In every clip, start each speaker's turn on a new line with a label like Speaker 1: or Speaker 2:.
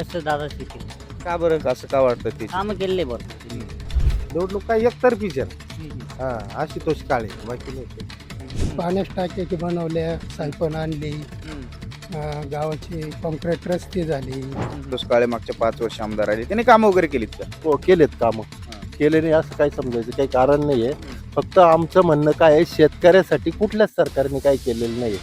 Speaker 1: आशुतोष दादाच येतील.
Speaker 2: का बरं असं का वाटतं ते?
Speaker 1: कामं केलेले भरपूर.
Speaker 3: निवडणूक काय एकतर्फीच आहे. हा आशुतोष काळे बाकी नाही काही.
Speaker 4: पाण्याच्या टाक्या बनवल्या, सायपन आणली, गावाचे कॉन्क्रीट रस्ते झाले.
Speaker 2: दुष्काळे मागच्या 5 वर्ष आमदार आले, त्यांनी कामं वगैरे केलीत का?
Speaker 3: हो केलेत कामं. केले नाही असं काही समजायचं काही कारण नाहीये. फक्त आमचं म्हणणं काय आहे, शेतकऱ्यासाठी कुठल्याच सरकारने काही केलेलं नाही.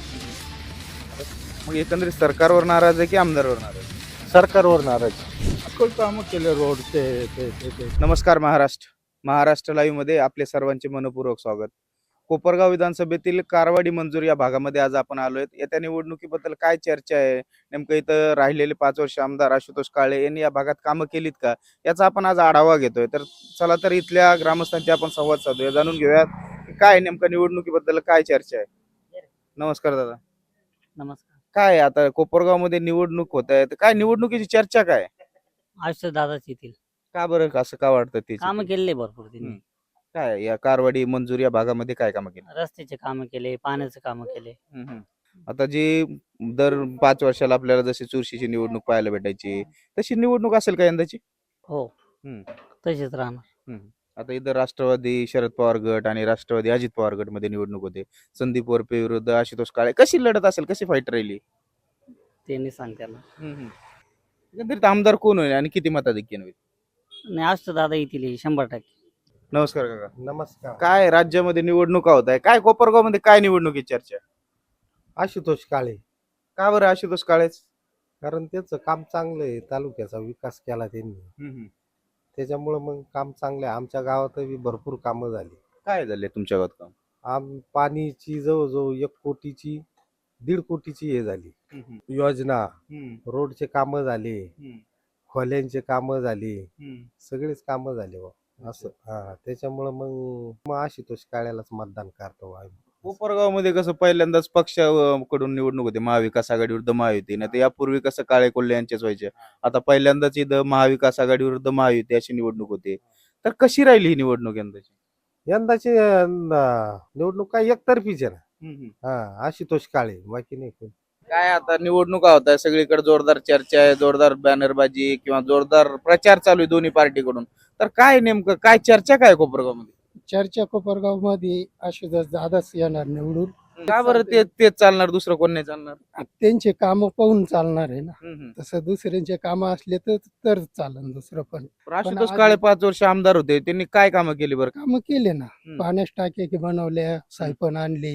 Speaker 2: मग एकंदरीत सरकारवर नाराज आहे की आमदारवर नाराज आहे?
Speaker 3: सरकारवर नाराज.
Speaker 4: कामं केले रोडचे
Speaker 2: नमस्कार महाराष्ट्र लाईव्ह मध्ये आपले सर्वांचे मनपूर्वक स्वागत. कोपरगाव विधानसभेतील कारवाडी मंजूर या भागामध्ये आज आपण आलोय. येत्या निवडणुकीबद्दल काय चर्चा आहे, नेमकं इथं राहिलेले 5 वर्ष आमदार आशुतोष काळे यांनी या भागात कामं केलीत का, याचा आपण आज आढावा घेतोय. तर चला तर इथल्या ग्रामस्थांची आपण संवाद साधूया, जाणून घेऊयात की काय नेमकं निवडणुकीबद्दल काय चर्चा आहे. नमस्कार दादा.
Speaker 1: नमस्कार.
Speaker 2: काय आता कोपरगाव मध्ये निवडणूक होत आहे, तर काय निवडणुकीची चर्चा काय?
Speaker 1: आशुतोष दादाच येतील.
Speaker 2: का बरं असं का वाटतं ते?
Speaker 1: कामं केलेले भरपूर त्यांनी.
Speaker 2: काय या कारवाडी मंजूर या भागामध्ये काय कामं केली?
Speaker 1: रस्त्याचे कामं केले, पाण्याचे कामं केले.
Speaker 2: आता जी दर 5 वर्षाला आपल्याला जशी चुरशीची निवडणूक पाहायला भेटायची, तशी निवडणूक असेल का यंदाची?
Speaker 1: हो,
Speaker 2: हम्म.
Speaker 1: तसेच राहणार.
Speaker 2: आता इथं राष्ट्रवादी शरद पवार गट आणि राष्ट्रवादी अजित पवार गट मध्ये निवडणूक होते. संदीप वरपे विरुद्ध आशुतोष काळे, कशी लढत असेल, कशी फाईट राहिली?
Speaker 1: त्यांनी सांगताना
Speaker 2: एकंदरीत आमदार कोण होईल आणि किती मताधिक्याने होईल?
Speaker 1: नाही, आशुतोष दादा येतील 100%.
Speaker 2: नमस्कार काका.
Speaker 3: नमस्कार.
Speaker 2: काय राज्यामध्ये निवडणुका होत आहे, काय कोपरगाव मध्ये काय निवडणुकीची चर्चा आहे?
Speaker 3: आशुतोष काळे.
Speaker 2: का बरं आशुतोष काळेच?
Speaker 3: कारण त्याचं काम चांगलं आहे, तालुक्याचा विकास केला त्यांनी, त्याच्यामुळं मग काम चांगलं आहे. आमच्या गावातही भरपूर कामं झाली.
Speaker 2: काय झाले तुमच्या गावात काम?
Speaker 3: पाणीची जवळजवळ 1 कोटीची 1.5 कोटीची हे झाली योजना. रोडचे कामं झाले, खोल्यांचे कामं झाले, सगळेच कामं झाले बा. असं त्याच्यामुळं मग आशुतोष काळ्यालाच मतदान करतो आम्ही.
Speaker 2: कोपरगाव मध्ये कसं पहिल्यांदाच पक्षाकडून निवडणूक होते, महाविकास आघाडी विरुद्ध महायुती. नाही तर यापूर्वी कसं काळे कोल्हे यांचेच व्हायचे. आता पहिल्यांदाच इथं महाविकास आघाडी विरुद्ध महायुती अशी निवडणूक होते. तर कशी राहिली ही निवडणूक यंदाची?
Speaker 3: यंदाची निवडणूक काय एकतर्फीच आहे ना. आशुतोष काळे बाकी नाही कोणी.
Speaker 2: काय आता निवडणुका होत आहे, सगळीकडे जोरदार चर्चा आहे, जोरदार बॅनरबाजी किंवा जोरदार प्रचार चालू आहे दोन्ही पार्टीकडून. तर काय नेमकं काय चर्चा काय कोपरगाव मध्ये?
Speaker 4: चर्चा कोपरगाव मध्ये आशुतोष दादाच येणार निवडून.
Speaker 2: का बरं तेच चालणार, दुसरं कोण नाही चालणार?
Speaker 4: त्यांचे काम पाहून चालणार आहे ना.
Speaker 2: हम्म.
Speaker 4: तसं दुसऱ्यांचे काम असले तर चालन दुसरं पण.
Speaker 2: आशुतोष काळे 5 वर्ष आमदार होते, त्यांनी काय कामं केली बरं?
Speaker 4: कामं केले ना. पाण्याच्या टाक्या बनवल्या, सायपन आणली,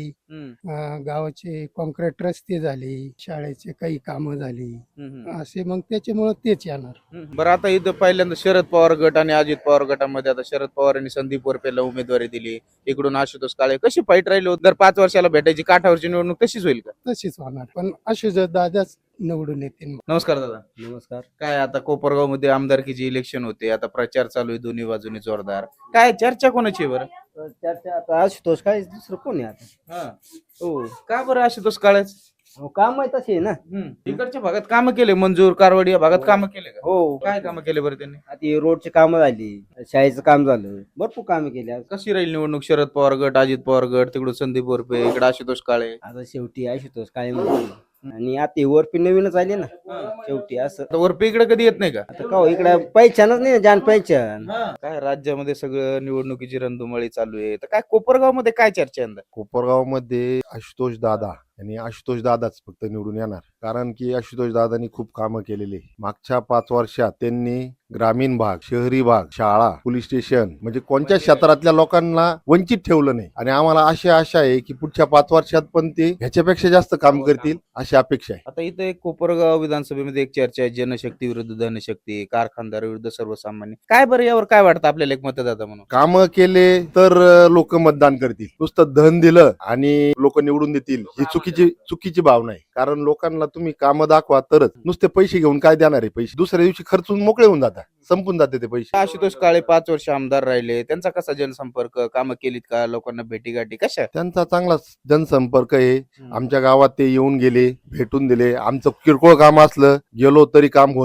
Speaker 4: गावाचे कॉन्क्रीट रस्ते झाले, शाळेचे काही कामं झाली. असे मग त्याच्यामुळे तेच येणार.
Speaker 2: बरं आता इथं पहिल्यांदा शरद पवार गट आणि अजित पवार गटामध्ये आता शरद पवार यांनी संदीप वरपेला उमेदवारी दिली, इकडून आशुतोष काळे. कशी फाईट राहिली होती? दर 5 वर्षाला भेटायची काठावरची निवडणूक तशीच होईल का?
Speaker 4: तशीच होणार, पण आशुतोष दादाच निवडून येतील.
Speaker 2: नमस्कार दादा.
Speaker 3: नमस्कार.
Speaker 2: काय आता कोपरगाव मध्ये आमदारकीची इलेक्शन होते, आता प्रचार चालू आहे दोन्ही बाजूनी जोरदार. काय चर्चा कोणाची आहे बरं?
Speaker 5: चर्चा आता आशुतोष काय दुसरं कोण आहे आता?
Speaker 2: हो, का बरं आशुतोष काळेच?
Speaker 5: काम आहे तसे ना.
Speaker 2: इकडच्या भागात कामं केले, मंजूर कारवाडी या भागात कामं केले का?
Speaker 5: हो,
Speaker 2: काय कामं केले बरं त्यांनी?
Speaker 5: आता हे रोडचे कामं झाली, शाळेचं काम झालं, भरपूर कामं केली.
Speaker 2: कशी राहील निवडणूक? शरद पवार गट, अजित पवार गट, तिकडून संदीप वरपे, इकडे आशुतोष काळे.
Speaker 5: आता शेवटी आशुतोष काय म्हणतो, आणि आता हे वरपी नवीनच आले ना शेवटी. असं
Speaker 2: आता वरपे इकडे कधी येत नाही का?
Speaker 5: आता का इकडे पहिचानच नाही ना, जान पहिचान.
Speaker 2: काय राज्यामध्ये सगळं निवडणुकीची रणधुमाळी चालू आहे, तर काय कोपरगाव मध्ये काय चर्चा आहे यंदा?
Speaker 6: कोपरगाव मध्ये आशुतोष दादा आणि आशुतोष दादाच फक्त निवडून येणार. कारण की आशुतोष दादांनी खूप कामं केलेली. मागच्या 5 वर्षात त्यांनी ग्रामीण भाग, शहरी भाग, शाळा, पोलीस स्टेशन म्हणजे कोणत्या क्षेत्रातल्या लोकांना वंचित ठेवलं नाही. आणि आम्हाला अशी आशा आहे की पुढच्या 5 वर्षात पण ते ह्याच्यापेक्षा जास्त काम करतील अशी अपेक्षा आहे.
Speaker 2: आता इथं एक कोपरगाव विधानसभेमध्ये एक चर्चा आहे, जनशक्ती विरुद्ध धनशक्ती, कारखानदार विरुद्ध सर्वसामान्य. काय बरं यावर काय वाटतं आपल्याला एक मतदाता म्हणून?
Speaker 6: कामं केले तर लोक मतदान करतील. नुसतं धन दिलं आणि लोक निवडून देतील ही चुकीची भावना आहे. कारण लोकांना तुम्ही कामं दाखवा तरच. नुसते पैसे घेऊन काय देणार आहे? पैसे दुसऱ्या दिवशी खर्चून मोकळे होऊन जातात, संपून जाते ते पैसे.
Speaker 2: आशुतोष काळे 5 वर्ष आमदार राहिले, त्यांचा कसा जनसंपर्क, कामं केलीत का, लोकांना भेटीगाठी कशा?
Speaker 6: त्यांचा चांगला जनसंपर्क आहे. आमच्या गावात ते येऊन गेले, भेटून दिले. आमचं किरकोळ काम असलं गेलो तरी काम होतं.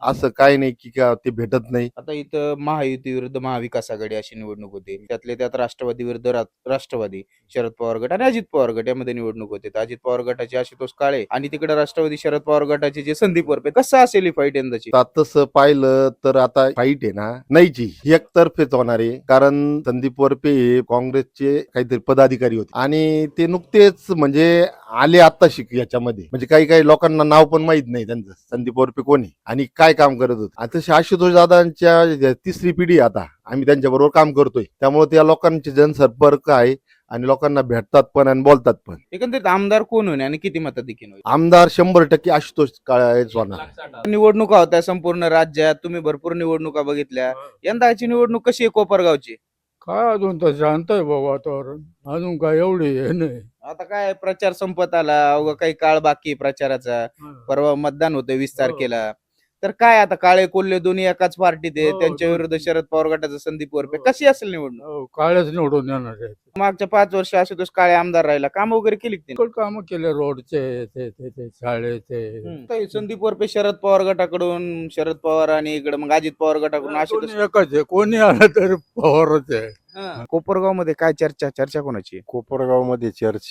Speaker 6: असं काय नाही की का ते भेटत नाही.
Speaker 2: आता इथं महायुती विरुद्ध महाविकास आघाडी अशी निवडणूक होते. त्यातले त्यात राष्ट्रवादी विरुद्ध राष्ट्रवादी, शरद पवार गट आणि अजित पवार गट यामध्ये निवडणूक होते. तर अजित पवार गटाचे आशुतोष काळे आणि तिकडे राष्ट्रवादी शरद पवार गटाचे जे संदीप वरपे, कसं असेल ही फाईट यंदाची?
Speaker 6: आता तसं पाहिलं तर आता फाईट आहे ना नाहीची एकतर्फेच होणार आहे. कारण संदीप वरपे हे काँग्रेसचे काहीतरी पदाधिकारी होते आणि ते नुकतेच म्हणजे आले आता शिक याच्यामध्ये, म्हणजे काही काही लोकांना नाव पण माहित नाही त्यांचं संदीप वरपे कोणी आणि काय काम करत होत. आता आशुतोष दादांच्या तिसरी पिढी आता आम्ही त्यांच्याबरोबर काम करतोय, त्यामुळे त्या लोकांचे जनसंपर्क आहे आणि लोकांना भेटतात पण आणि बोलतात पण.
Speaker 2: एकंदरीत आमदार कोण होईल आणि किती मताधिक्याने होईल?
Speaker 6: आमदार 100% आशुतोष काळेच होणार.
Speaker 2: निवडणुका होत्या संपूर्ण राज्यात, तुम्ही भरपूर निवडणुका बघितल्या. यंदाची निवडणूक कशी आहे कोपरगावची?
Speaker 7: काय अजून तर शांत आहे बाबा वातावरण, अजून काय एवढी हे नाही.
Speaker 2: आता काय प्रचार संपत आला, अवघा काही काळ बाकी आहे प्रचाराचा. परवा मतदान होतं 20 तारखेला. तर काय आता काळे कोल्हे दोन्ही एकाच पार्टीत आहे,
Speaker 7: हो,
Speaker 2: त्यांच्या
Speaker 7: हो.
Speaker 2: विरुद्ध शरद पवार गटाचा संदीप वरपे.
Speaker 7: हो.
Speaker 2: कशी असेल निवडणूक?
Speaker 7: हो, काळ्याच निवडून येणार आहे.
Speaker 2: मागच्या 5 वर्ष आशुतोष काळे आमदार राहिला, काम वगैरे केली का त्यांनी?
Speaker 7: काम केले रोडचे ते शाळेचे.
Speaker 2: तर संदीप वरपे शरद पवार गटाकडून, शरद पवार आणि इकडे मग अजित पवार गटाकडून आशुतोष.
Speaker 7: कोणी एकच आहे, कोणी आलं तरी पवारच आहे.
Speaker 2: कोपरगाव मध्ये काय चर्चा कोणाची आहे?
Speaker 8: कोपरगावमध्ये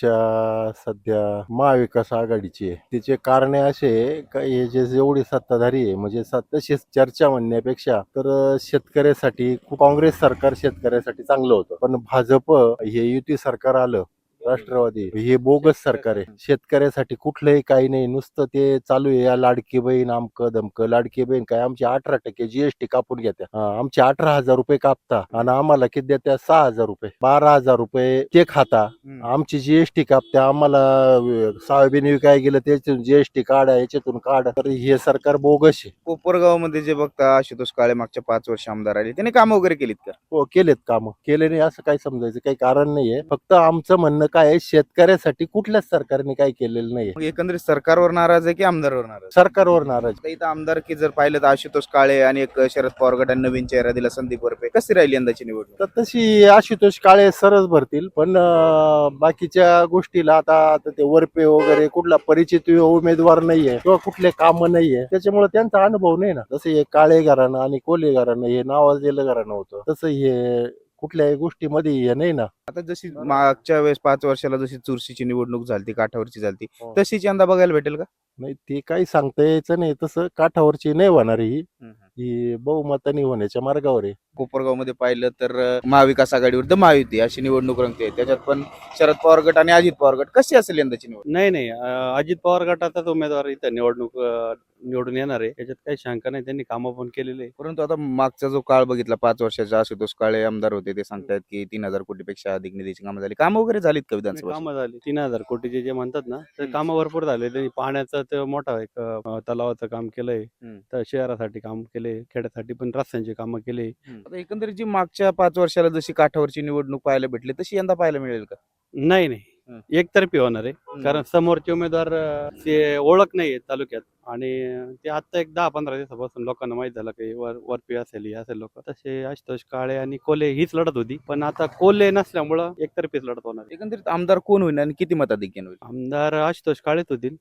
Speaker 8: चर्चा सध्या महाविकास आघाडीची आहे. तिचे कारणे असे आहे का हे जे जेवढी सत्ताधारी आहे म्हणजे तशीच चर्चा म्हणण्यापेक्षा तर शेतकऱ्यासाठी काँग्रेस सरकार शेतकऱ्यासाठी चांगलं होतं, पण भाजप हे युती सरकार आलं राष्ट्रवादी हे बोगस सरकार आहे. शेतकऱ्यासाठी कुठलंही काही नाही, नुसतं ते चालू आहे या लाडकी बहीण अमकं दमकं. लाडकी बहीण काय आमची 18% जीएसटी कापून घेत्या, आमचे 18,000 रुपये कापता आणि आम्हाला किती देत्या 6,000 रुपये, 12,000 रुपये ते खाता. आमची जीएसटी कापत्या, आम्हाला सोयाबीन विकाय गेलं त्याच्यातून जीएसटी काढा, याच्यातून काढा. तर हे सरकार बोगस आहे.
Speaker 2: कोपरगाव मध्ये जे बघता आशुतोष काळे मागच्या 5 वर्ष आमदार राहिले, त्यांनी काम वगैरे केलीत का?
Speaker 8: हो केलेत काम, केले नाही असं काही समजायचं काही कारण नाहीये. फक्त आमचं म्हणणं काय आहे, शेतकऱ्यासाठी कुठल्याच सरकारने काही केलेलं नाहीये.
Speaker 2: मग एकंदरीत सरकारवर नाराज आहे की आमदारवर नाराज?
Speaker 8: सरकारवर नाराज.
Speaker 2: आता इथं आमदार की जर पाहिलं तर आशुतोष काळे आणि एक शरद पवार गटाने नवीन चेहरा दिला संदीप वरपे. कशी राहिली यंदाची निवडणूक?
Speaker 8: तर तशी आशुतोष काळे सरच भरतील, पण बाकीच्या गोष्टीला आता ते वरपे वगैरे कुठला परिचित उमेदवार नाहीये किंवा कुठले काम नाहीये, त्याच्यामुळे त्यांचा अनुभव नाही ना. जसं हे काळे घराणं आणि कोल्हे घराणं हे नावाजलेलं घराणं होतं, तसं हे कुठल्याही गोष्टीमध्ये हे नाही ना.
Speaker 2: आता जशी मागच्या वेळेस 5 वर्षाला जशी चुरशीची निवडणूक झाली, काठावरची झाली,
Speaker 8: हो.
Speaker 2: तशीच यंदा बघायला भेटेल का?
Speaker 8: नाही ते काही सांगता यायचं नाही, तसं काठावरची नाही होणार ही बहुमताने होण्याच्या मार्गावर आहे.
Speaker 2: कोपरगाव मध्ये पाहिलं तर महाविकास आघाडी विरुद्ध महायुती अशी निवडणूक रंगते. त्याच्यात पण शरद पवार गट आणि अजित पवार गट. कशी असेल यंदाची निवडणूक?
Speaker 9: नाही अजित पवार गटाचाच उमेदवार इथं निवडून येणार आहे, याच्यात काही शंका नाही. त्यांनी कामं पण केलेले आहे.
Speaker 2: परंतु आता मागचा जो काळ बघितला 5 वर्षाचा, आशुतोष काळे आमदार होते, ते सांगतायत की 3,000 कोटीपेक्षा अधिक निधीची कामं झाली. कामं वगैरे झालीत का विधानसभा?
Speaker 9: कामं झाली 3,000 कोटीचे जे म्हणतात ना, तर कामं भरपूर झाले. त्यांनी पाण्याचं ते मोठा एक तलावाचं काम केलंय, तर शहरासाठी काम केले, खेड्यासाठी पण रस्त्यांची कामं केले.
Speaker 2: आता एकंदरीत जी मागच्या 5 वर्षाला जशी काठावरची निवडणूक पाहायला भेटली, तशी यंदा पाहायला मिळेल का?
Speaker 9: नाही एकतर्फी होणार आहे, कारण समोरचे उमेदवार ते ओळख नाहीये तालुक्यात, आणि ते आता एक 10-15 दिवसापासून लोकांना माहित झालं की वरपी असेल हे असेल लोक. तसे आशुतोष काळे आणि कोल्हे हीच लढत होती, पण आता कोल्हे नसल्यामुळं एकतर्फीच लढत होणार आहे.
Speaker 2: एकंदरीत आमदार कोण होईल आणि किती मताधिक्याने होईल?
Speaker 9: आमदार आशुतोष काळेच होतील.